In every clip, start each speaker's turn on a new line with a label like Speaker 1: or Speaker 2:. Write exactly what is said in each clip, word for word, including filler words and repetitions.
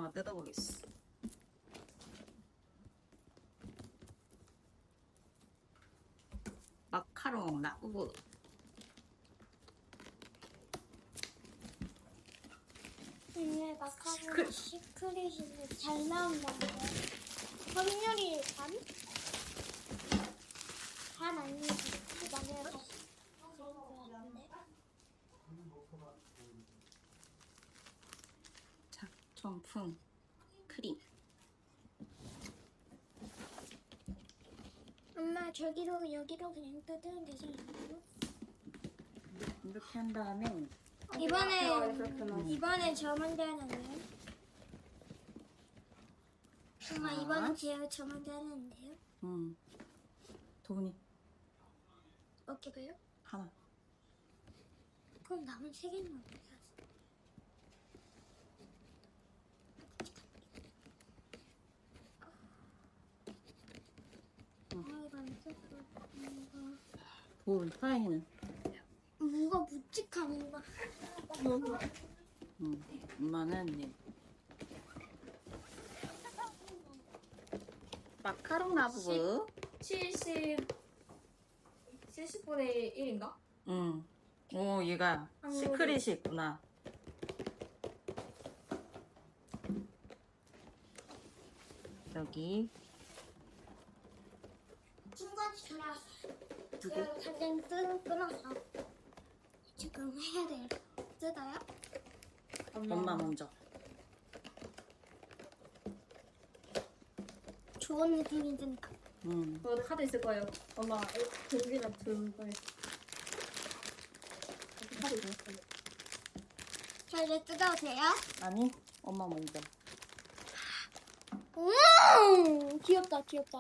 Speaker 1: 엄마가 뜯어보겠어. 마카롱 라우브.
Speaker 2: 근데 마카로니 시크릿이 잘 나온다는데 확률이 반? 반 아니면 만약에 다시
Speaker 1: 작품풍 크림.
Speaker 2: 엄마 저기로 여기로 그냥 뜯으면 되지 않나요?
Speaker 1: 이렇게 한 다음에
Speaker 2: 이번에 이번에 저 먼저 하는데요? 엄마 이번에 제가 저 먼저 하는데요?
Speaker 1: 음. 도훈이
Speaker 2: 어떻게요?
Speaker 1: 하나.
Speaker 2: 그럼 남은 세 개는 어떻게 하지? 아 이거 안 썼어.
Speaker 1: 도훈 서연이는.
Speaker 2: 뭔가 묵직한 거.
Speaker 1: 음. 엄마는 네. 마카롱 라우브.
Speaker 3: 칠십 칠십분의 일인가?
Speaker 1: 응. 오, 얘가 시크릿이 있구나. 여기.
Speaker 2: 중간에 전화 왔어. 그래서 당장 뜯 끊었어. 지금 해야 돼. 뜯어요?
Speaker 1: 엄마 먼저.
Speaker 2: 좋은 느낌이 드니까.
Speaker 1: 응.
Speaker 3: 저 카드 있을 거예요. 엄마 여기다 들을 거예요. 카드 있을 거예요.
Speaker 2: 자 이제 뜯어도 돼요?
Speaker 1: 아니, 엄마 먼저.
Speaker 2: 음 귀엽다 귀엽다.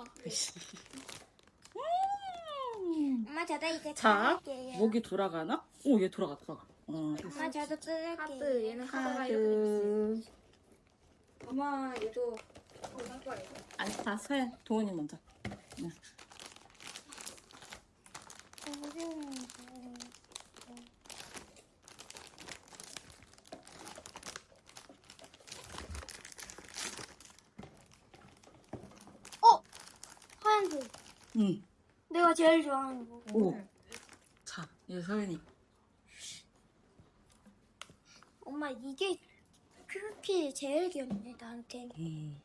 Speaker 1: 음.
Speaker 2: 엄마 저도 이제
Speaker 1: 자,
Speaker 2: 뜯을게요.
Speaker 1: 목이 돌아가나? 오, 얘 돌아가, 돌아가. 어.
Speaker 2: 엄마 저도 뜯을게요.
Speaker 3: 카드 얘는 카드가 이렇게 돼 있어요.
Speaker 1: 카드.
Speaker 3: 엄마 얘도 할 거예요.
Speaker 1: 아니, 다 서연, 도훈이 먼저. 응.
Speaker 2: 어 하얀색.
Speaker 1: 응.
Speaker 2: 내가 제일 좋아하는 거.
Speaker 1: 오. 자, 얘 서연이.
Speaker 2: 엄마 이게 그렇게 제일 귀엽네 나한테.
Speaker 1: 음.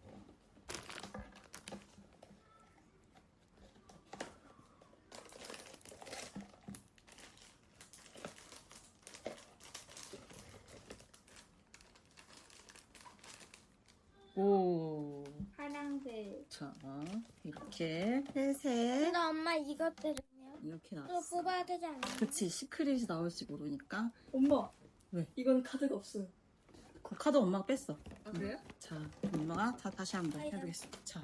Speaker 1: 오.
Speaker 3: 파란색.
Speaker 1: 자, 이렇게 회색
Speaker 2: 근데 엄마 이것들은요?
Speaker 1: 이렇게
Speaker 2: 또
Speaker 1: 나왔어.
Speaker 2: 뽑아야 되지 않나요?
Speaker 1: 그치, 시크릿이 나올지 모르니까.
Speaker 3: 엄마.
Speaker 1: 왜?
Speaker 3: 이건 카드가 없어요.
Speaker 1: 그 카드 엄마가 뺐어.
Speaker 3: 아 그래요?
Speaker 1: 자, 엄마가 다, 다시 한번
Speaker 2: 아이고.
Speaker 1: 해보겠습니다. 자,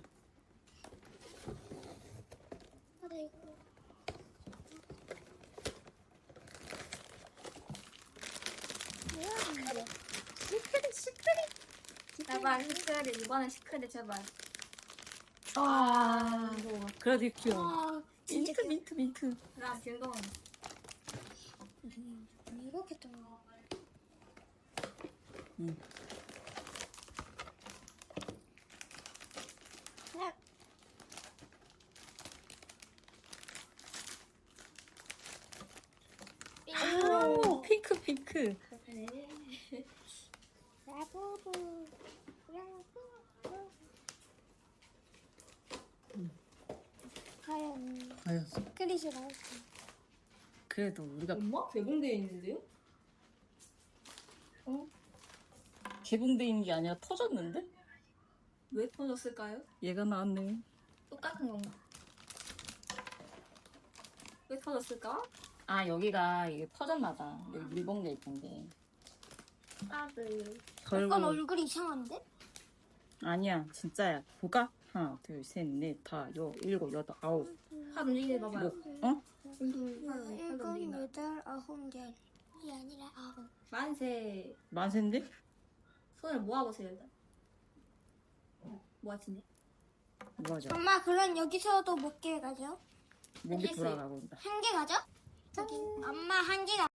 Speaker 2: 아, 네, 이거. 뭐야,
Speaker 3: 시크릿 시크릿. 제발 시크릿 이번엔 시크릿 제발.
Speaker 1: 아, 그래도 귀여워.
Speaker 2: 아, 진짜
Speaker 1: 민트, 민트, 민트.
Speaker 3: 나 즐거운.
Speaker 2: 음, 이렇게 좀.
Speaker 1: 응.
Speaker 2: 네.
Speaker 1: 오, 핑크, 핑크.
Speaker 2: 라부부. 라부부. 과연
Speaker 1: 과연.
Speaker 2: 크리스 나올까?
Speaker 1: 그래도 우리가
Speaker 3: 엄마 개봉되어 있는데요?
Speaker 1: 개봉돼 있는 게 아니라 터졌는데?
Speaker 3: 왜 터졌을까요?
Speaker 1: 얘가 나왔네.
Speaker 3: 똑같은 건가? 왜 터졌을까?
Speaker 1: 아, 여기가 이게 터졌나봐. 여기 물봉돼 있던데.
Speaker 3: 카드.
Speaker 2: 약간
Speaker 1: 결국
Speaker 2: 얼굴이 이상한데?
Speaker 1: 아니야, 진짜야. 보가 하나, 둘, 셋, 넷, 다, 여, 일곱, 여덟, 아홉.
Speaker 3: 카드 움직이지 봐봐요.
Speaker 1: 뭐, 어?
Speaker 2: 일곱, 여덟, 아홉, 열. 이 아니라 아홉.
Speaker 3: 만세.
Speaker 1: 만세인데?
Speaker 3: 손을 모아보세요 일단. 모아지네.
Speaker 1: 뭐하죠?
Speaker 2: 엄마 그럼 여기서도 몇 개 가죠?
Speaker 1: 목이
Speaker 3: 알겠어요.
Speaker 1: 돌아가고 있다.
Speaker 2: 한 개 가죠? 저기 엄마 한 개가